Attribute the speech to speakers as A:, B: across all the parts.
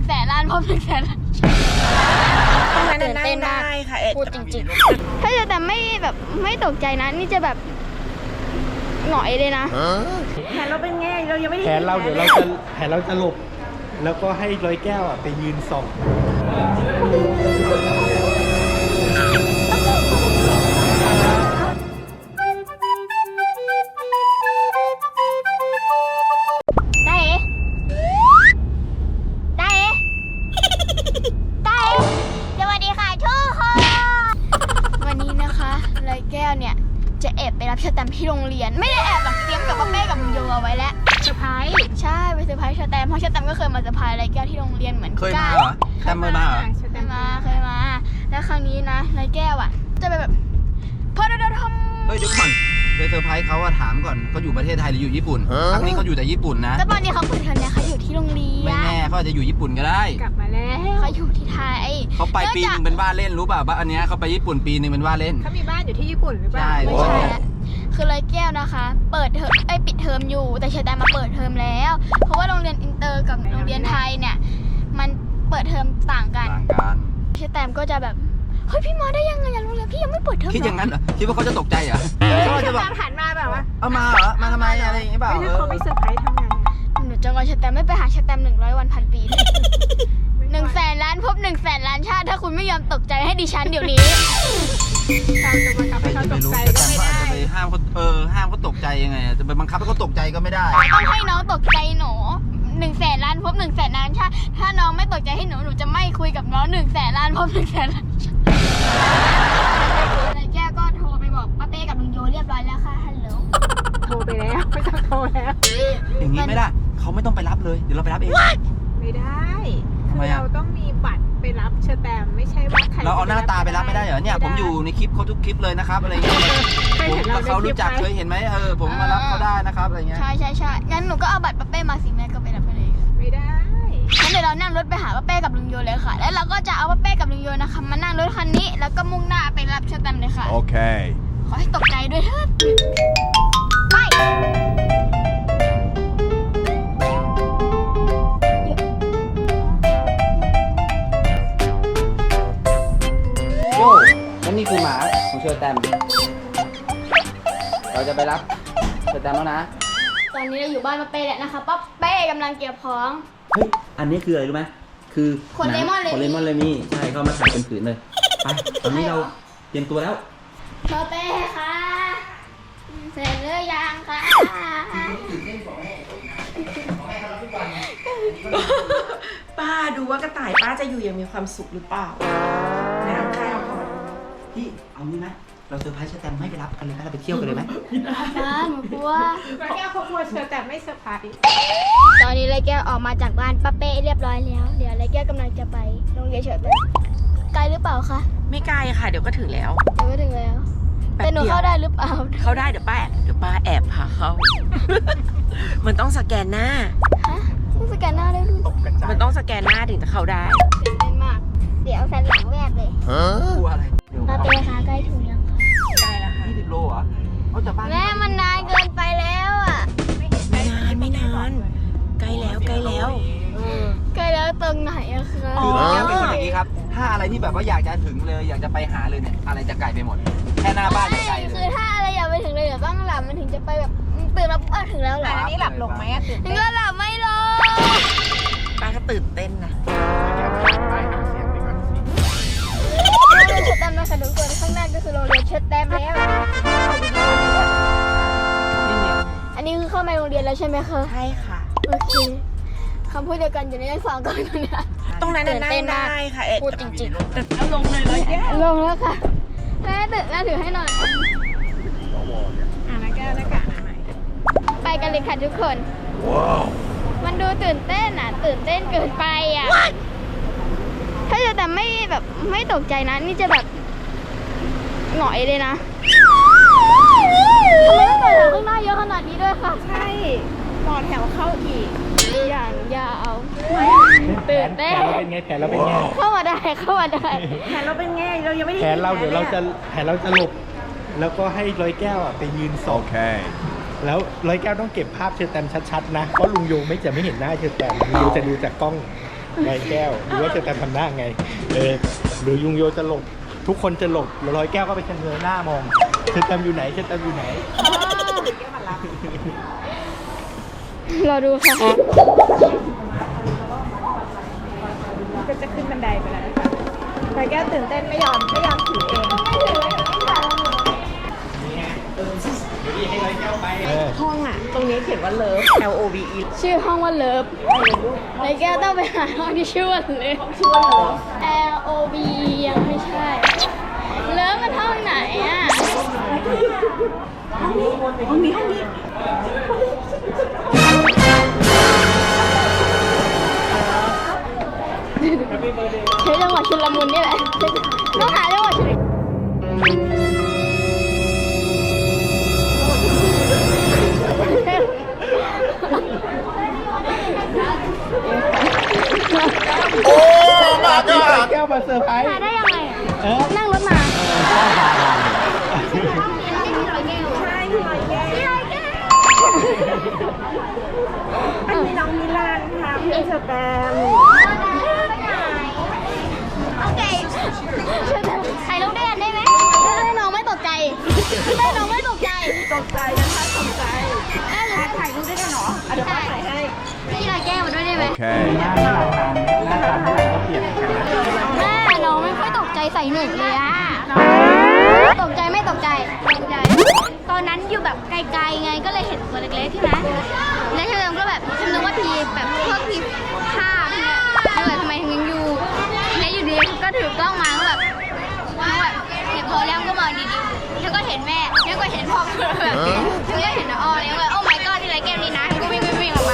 A: 100,000 ล้านพบ100,000 ล้าน
B: ตื่นเต้นมากค่ะพูดจริงๆ
A: ถ้าจะแต่ไม่แบบไม่ตกใจนะนี่จะแบบหงอยเลยนะ
B: แผนเราเป็นไงเรายังไม่ได้
C: แผนเราเดี๋ยวแผนเราจะหลบแล้วก็ให้ร้อยแก้วไปยืนส่อง
A: เนี่ยจะแอบไปรับเชอร์แตมที่โรงเรียนไม่ได้แอบหรอกเตรียมกับป้าเป้กับลุงโยเอาไว้แล้วเซอร์ไพรส์ใช่ไปเซอร์ไพรส์เชอร์แตมเพราะเชอร์แตมก็เคยมาเซอร์ไพรส์ไรแก้วที่โรงเรียนเหมือนกัน
D: เคยมาเหรอแตมเคยมาเหรอ
A: เคยมาแล้วครั้งนี้นะไรแก้วอ่ะจะไปแบบพอเราทำ
D: เฮ้ยเดี๋ยวก่อนไปเซอร์ไพรส์เขาอะถามก่อนเขาอยู่ประเทศไทยหรืออยู่ญี่ปุ่นครั้งนี้เขาอยู่แต่ญี่ปุ่นนะ
A: ก็ตอนนี้เขาเปิดเทอมเนี่ยเขาอยู่ที่โรงเรียน
D: ไม่แน่เขาอาจจะอยู่ญี่ปุ่นก็ได้
B: กลับมาแล้ว
A: เขาอยู่ที่ไทย
D: เขาไปปีนึงเป็นว่าเล่นรู้ป่ะบ้านอันนี้เขาไปญี่ปุ่นปีนึงเป็นว่าเล่น
B: เขามีบ้านอยู่ที่ญี่ปุ่นหรือเปล่า
A: ไม่ใช่แล้วคือไรแก้วนะคะเปิดเทอมปิดเทอมอยู่แต่เชอร์แตมมาเปิดเทอมแล้วเพราะว่าโรงเรียนอินเตอร์กับโรงเรียนไทยเนี่ยมันเปิดเทอมต่างกันเชอร์แตมก็จะแบบเฮ้ยพี่มาได้ยังไงโรงเรียนพี่ยังไม่เปิดเทอม
D: คิดอย่างนั้นเหรอคิดว่าเขาจะตกใจเหรอ
B: เขาจะแบบหันมาแบบว่า
D: เอามาเหรอมาทำไมอะไรอย่างเงี้ยเปล่า
B: เขาไม่เซอร์ไพรส์ทำไง
A: หนูจะงอเชอร์แตมไม่ไปหาเชอร์แตม100 วันพันปี100,000 ล้านพบ100,000 ล้านชาติถ้าคุณไม่ยอมตกใจให้ดิฉันเดี๋ยวนี้
B: เราจะบังคับให้เขาตกใจก็ไม่ได้
D: ห้ามเขาตกใจยังไงจะไปบังคับให้เขาตกใจก็ไม่ได้
A: ต้องให้น้องตกใจหนู100,000 ล้านพบ100,000 ล้านชาติถ้าน้องไม่ตกใจให้หนูจะไม่คุยกับน้อง100,000 ล้านพบ100,000 ล้านชาติไรแก้วก็โทรไปบอกป้าเป้กับลุงโยเรียบร้อยแล้วค่ะฮัลโหล
B: โทรไปแล้วไม่ต้องโทรแล้ว
D: อย่างนี้ไม่ได้เขาไม่ต้องไปรับเลยเดี๋ยวเราไปรับเอง
B: ไม่ได้คือเราต้องมีบัตรไปรับเชอร์แตมไม่ใช่ว่าใคร
D: เราเอาหน้าตาไปรับไม่ได้เหรอเนี่ยผมอยู่ในคลิปเขาทุกคลิปเลยนะครับอะไรเงี้ยเขารู้จักเคยเห็นไหมผมมารับเขาได้นะครับอะไรเงี้ย
A: ใช่งั้นหนูก็เอาบัตรป้าเป้มาสิแม่ก็ไปรับไปเลย
B: ไม่ได้
A: งั้นเดี๋ยวเรานั่งรถไปหาป้าเป้กับลุงโยเลยค่ะแล้วเราก็จะเอาป้าเป้กับลุงโยนะคะมานั่งรถคันนี้แล้วก็มุ่งหน้าไปรับเชอร์แตมเลยค่ะ
C: โอเค
A: ขอให้ตกใจด้วยเถิดไป
D: และนี่คือหมาของเชอร์แตมเราจะไปรับเชอร์แตมแล้วนะ
A: ตอนนี้เราอยู่บ้านป้าเป้แล้วนะคะป้าเป้กำลังเก็บของ
D: เฮ้ยอันนี้คืออะไรรู้ไหมคือ
A: ขนเลมอน
D: เลยมี่ใช่เขามาถ่ายเป็นผืนเลยไปตอนนี้เราเตรียมตัวแล้ว
A: ป้าเป้ค่ะเสร็จหรือยังคะ
B: ป้าดูว่ากระต่ายป้าจะอยู่อย่างมีความสุขหรือเปล่าน้ำข้าวก่อน
D: พี่เอางี้ไหมเราเซอร์ไพรส์เชอร์แตมไม่ไปรับกันเลยไหมเราไปเที่ยวกันเลยไหม
A: หนูกลัว
B: ไรแก้วเขากลัวเชอร์แตมไม่เซอร์ไพรส์
A: ตอนนี้ไรแก้วออกมาจากบ้านป้าเป้เรียบร้อยแล้วเดี๋ยวไรแก้วกำลังจะไปโรงเรียนเชอร์แตมไกลหรือเปล่าคะ
B: ไม่ไกลค่ะเดี๋ยวก็ถึงแล้ว
A: แต่หนูเข้าได้หรือเปล่า
B: เข้าได้เดี๋ยวป้าแอบพาเข้ามันต้องสแกนหน้า
A: ฮะต้องสแกนหน้าได้ด้วย
B: มันต้องสแกนหน้าถึงจะเข้าได้
A: ตื่นเต้นมากเดี๋ยวแฟนหลังแวบเลย
D: กลัวอะไร
A: ป้าเป้คะใกล้ถึงยังคะ
B: ใกล้แล้วค่ะ
D: 20 โลเหรอเขาจะบ้าน
A: แม่มันนานเกินไปแล้วอ่ะ
B: ไม่นานใกล้แล้ว
A: ใกล้แล้วตรงไหนอะคะ
D: คือแก้วเป็นคนอย่างนี้ครับถ้าอะไรที่แบบว่าอยากจะถึงเลยอยากจะไปหาเลยเนี่ยอะไรจะไกลไปหมดแค่หน้าบ้านไกลเลย
A: คือถ้าอะไรอยากไปถึงเลยเดี๋ยวต้องหลับมันถึงจะไปแบบตื่นแล้วถึงแล้วเหรอ
B: อันนี้หลับลงไหมตื่นเต้น
A: ก็หลับไม่ลง
B: ป้าก็ตื่นเต้นนะ
A: โรงเรียนเชอร์แตมนะคะทุกคนข้างหน้าก็คือโรงเรียนเชอร์แตมแล้วอันนี้คือเข้ามาโรงเรียนแล้วใช่ไหมคะ
B: ใช่ค่ะ
A: โอเคคำพูดเดียวกันอยู่ในสองก่อนเนี่ย
B: ตรงนั้นนั่งได้ค่ะ
A: พูดจริงๆ
B: แล้วลงเลย
A: ลงแล้วค่ะแม่ถือให้หน่อย
B: นักแก้วหน้ากากใหม่
A: ไปกันเลยค่ะทุกคนมันดูตื่นเต้นตื่นเต้นเกินไปถ้าจะแต่ไม่ตกใจนะนี่จะแบบหงอยเลยนะทำไมต้องต่อแถวข้างหน้าเยอะขนาดนี้ด้วยค่ะ
B: ใช่ต่อแถวเข้าอีก
A: อย่างยาวตื่นเต้น
C: แผนเราเป็นไง
A: เข้ามาได้
B: แผนเราเป็นไงเรายังไม่ได้
C: แผนเราเดี๋ยวแผนเราจะหลบแล้วก็ให้ร้อยแก้วไปยืนส่องแล้วร้อยแก้วต้องเก็บภาพเชอร์แตมชัดๆนะเพราะลุงโยจะไม่เห็นหน้าเชอร์แตมลุงโยจะดูจากกล้องร้อยแก้วดูว่าเชอแตมทำหน้าไงหรือยุงโยจะหลบทุกคนจะหลบแล้วร้อยแก้วก็ไปชะเง้อหน้ามองเชอแตมอยู่ไหนเชอแตมอยู่ไหน
A: รอดูค่ะ
B: ก็จะขึ้นบันไดไปแล้วนะคะร้อยแก้วตื่นเต้นไม่ยอมถือเอง
C: ให้ร้อยแก้วไป
B: ห้องอ่ะ ตรงนี้เขียนว่าเลิฟ LOVE
A: ชื่อห้องว่าเลิฟในแก้วต้องไปหาห้องที่ชื่อว่าเลิฟ
B: ชื่อว่าเลิฟ
A: L O B ยังไม่ใช่ เลิฟมันห้องไหนอ่ะ
B: ห้องนี้
A: ใช้จังหวะชุลมุนนี่แหละต้องหาจังหวะชุลมุน
C: โอ้มาก็ร้อยแก้วมาเซอร์ไพรส์
A: มาได้ยังไงอะนั่งรถมา
B: ใช่พี่ร้อยแก้วอันนี้น้องมิลานค่ะเพื่อนเชอแตม
A: โอเคถ่ายรูปด้วยกันได้ไหมให้น้องไม่ตกใจให้น้องไม่ตกใจ
B: ตกใจนะคะตกใจถ่ายรูปด้วยกันเหรอเดี๋ยวป้าถ่ายให้
A: พี่ลอยแก้วมาด้วยได้ไหม
C: หน้าตาก็เปลี่ยนกันนะ
A: แม่น้องไม่ค่อยตกใจใส่หนึ่งเลยอะตกใจไม่ตกใจตกใจ ตอนนั้นอยู่แบบไกลๆไงก็เลยเห็นตัวเล็กๆใช่ไหมแล้วเชอก็แบบฉันนึกว่าพีแบบพวกพีผ้าเนี่ยแล้วแบบทำไมถึงยังอยู่แล้วอยู่ดีก็ถือกล้องมาก็แบบเห็นพอแล้วก็มองดีๆแล้วก็เห็นแม่แล้วก็เห็นพ่อแบบแล้วก็เห็นน้าอ้อแล้วก็โอ้ my god ที่ไรแก้วนี่นะก็วิ่งออกมา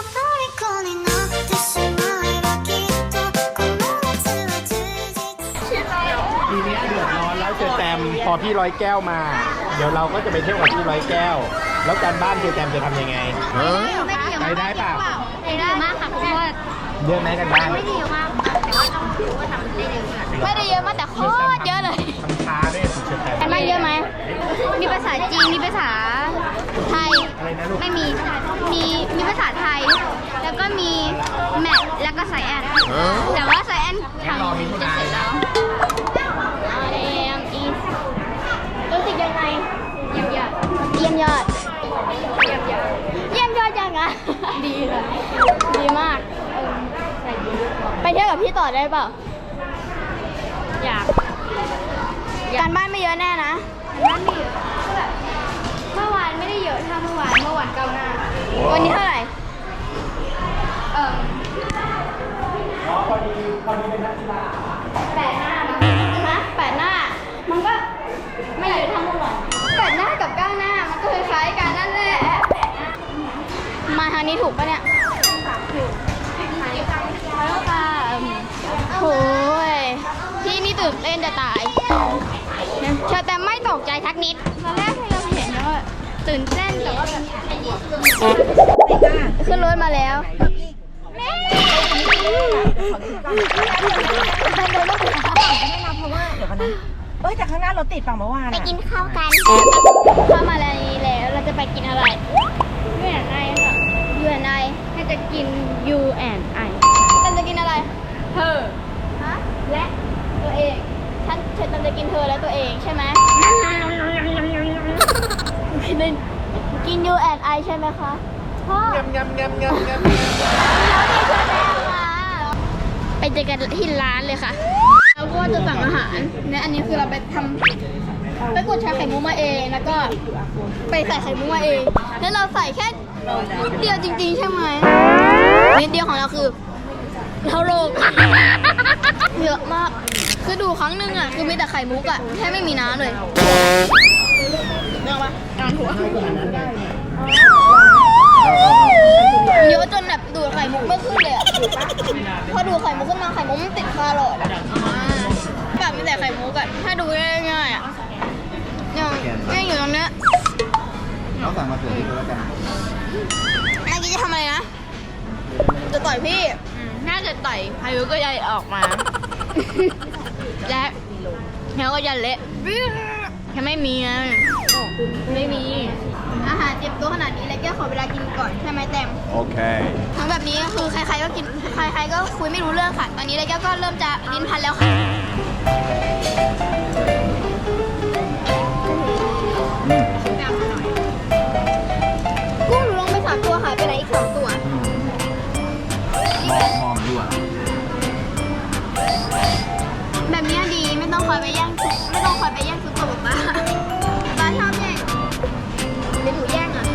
C: ทีนี้เดือดร้อนแล้วเจอแตมพอพี่ร้อยแก้วมา เดี๋ยวเราก็จะไปเที่ยวกับพี่ร้อยแก้ว แล้วการบ้านเจอแตมจะทำยังไงไปได้เปล่า
A: ไปได้มากค่ะเพราะว่า
C: เยอะไหมกันบ้าน
A: ไม่ได้เยอะมากแต่ว่าน้องถือว่าทำได้เยอะไม่ได้เยอะมากแต่โคตรเยอะเลย
C: ทำช้าด้วยเชอแตม
A: กันบ้านเยอะไหมมีภาษาจีนมีภาษาไทย
C: อะไรนะลูก
A: ไม่มีมีภาษาไทย แล้วก็มีแมทแล้วก็ไซแอนแต่ว่าไซแอนทำจะเสร็จแล้วรู้สึกยังไงเยี่ยมยอดเยี่ยมยอดยังอ่ะดีเลยดีมากไปเที่ยวกับพี่ต่อได้เปล่าอยากการบ้านไม่เยอะแน่นะการบ้านไม่เยอะแบบเมื่อวานไม่ได้เยอะเท่าเมื่อวานก้าวหน้าวันนี้เท่าไหร่พอดีเป็นนักกีฬา8 หน้านะ8 หน้ามันก็ไม่เยอะเท่าเมื่อวาน8 หน้ากับ9 หน้ามันก็คล้ายๆกันนั่นแหละมาทางนี้ถูกปะเนี่ยถูกแล้วค่ะโอ้ยพี่นี่ตื่นเต้นจะตายเชอแต่ไม่ตกใจทักนิดตอนแรกที่เราเห็นแล้วตื่นเต้นแต่ว่าแบบขึ้นรถมาแล้วแม่
B: แต่ข้างหน้ารถติดฝั่งเมื่อวาน
A: ไปกินข้าวกันเข้ามาแล้วเราจะไปกินอะไร U&I ค่ะ U&I น่าจะกิน U&I ฉันจะกินอะไรเธอฮะและตัวเองฉันจะกินเธอและตัวเองใช่ไหมกิน U&I ใช่ไหมคะพ่อไปเจอกันที่ร้านเลยค่ะแล้วก็จะสั่งอาหารเนี่ยอันนี้คือเราไปทำไปกดชาไข่มุกมาเองแล้วก็ไปใส่ไข่มุกมาเองแล้วเราใส่แค่นิดเดียวจริงๆใช่ไหมนิดเดียวของเราคือเท่าโลกเยอะมากคือดูครั้งหนึ่งอ่ะคือมีแต่ไข่มุกอ่ะแค่ไม่มีน้ำเลยเรื่องปะการหัวเยอะจนแบบดูดไข่มุกไม่ขึ้นเลยอ่ะพอดูดไข่มุกขึ้นมาไข่มุกมันติดคาหลอดอ่ะแบบมีแต่ไข่มุกอ่ะถ้าดูง่ายๆอ่ะยังอยู่ตรงเนี้ย
D: น้องสั่งมาเผื่อที่แล้วกัน
A: เมื่อกี้จะทำอะไรนะจะต่อยพี่น่าจะต่อยพายุก็ยันออกมาและแล้วก็ยันเละแค่ไม่มีนะไม่มีอาหารเจ็บตัวขนาดนี้แล้วแกขอเวลากินก่อนใช่ไหมแตม
C: โอเค
A: ทำทั้งแบบนี้คือใครๆก็กินใครๆก็คุยไม่รู้เรื่องค่ะ ตอนนี้เลยแก้วก็เริ่มจะลิ้นพันแล้วค่ะกุ้งหนูลงไป3 ตัวหายไปไหนอีก2 ตัว
D: มองอยู่อ่ะ
A: แบบนี้ดีไม่ต้องคอยไปแย่งซุปไม่ต้องคอยไปแย่งซุปกับป๊าป๊าชอบแย่งหรือหนูแย่งอ่ะ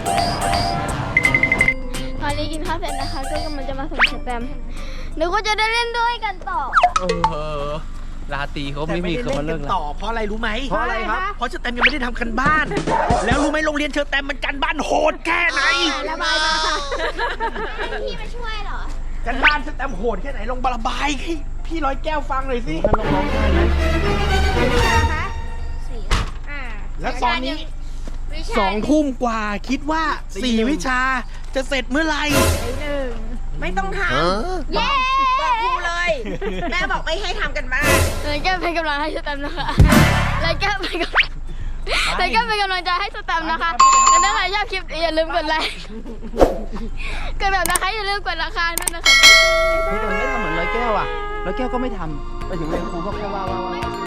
A: ตอนนี้กินข้าวเสร็จนะคะก็กำลังจะมาส่งสแตมป์หนูก็จะได้เล่นด้วยกันต่อ
D: ราตรีเขาไม่มีเขามาเลิกแล้ว
C: ต่อเพราะอะไรรู้ไหม
D: เพราะอะไรครับ
C: เพราะเชอร์แตมยังไม่ได้ทำกันบ้าน แล้วรู้ไหมโรงเรียนเชอร์แตมมันกันบ้านโหดแค่ไหน
A: ระบายมาพี่มาช่วยเหรอ
C: กันบ้านเชอร์แตมโหดแค่ไหนลองระบายให้พี่ร้อยแก้วฟังหน่อยสิ
D: มันลงร้องไห้ไหม
C: แล้วตอนนี้2 ทุ่มกว่าคิดว่า4 วิชาจะเสร็จเมื่อไหร่
B: ไม่ต้องท
A: เย้
B: ำบอกครูเลย แม่บอกไม่ให้ทำกันบ้าน
A: เลยแก้เป็นกำลังให้สแตมป์นะคะเลยแก้เป็นกำลังเลยแก้เป็นกำลังใจให้สแตมป์นะคะและถ้าใครชอบคลิปนี้อย่าลืมกดไลค์กดแบบนะคะอย่าลืมกดราคาด้วยนะคะ
D: ไม่ทำเหมือนร้อยแก้วอ่ะร้อยแก้วก็ไม่ทำไปถึงเรียนครูก็แค่ว่า
A: ไม่ใช่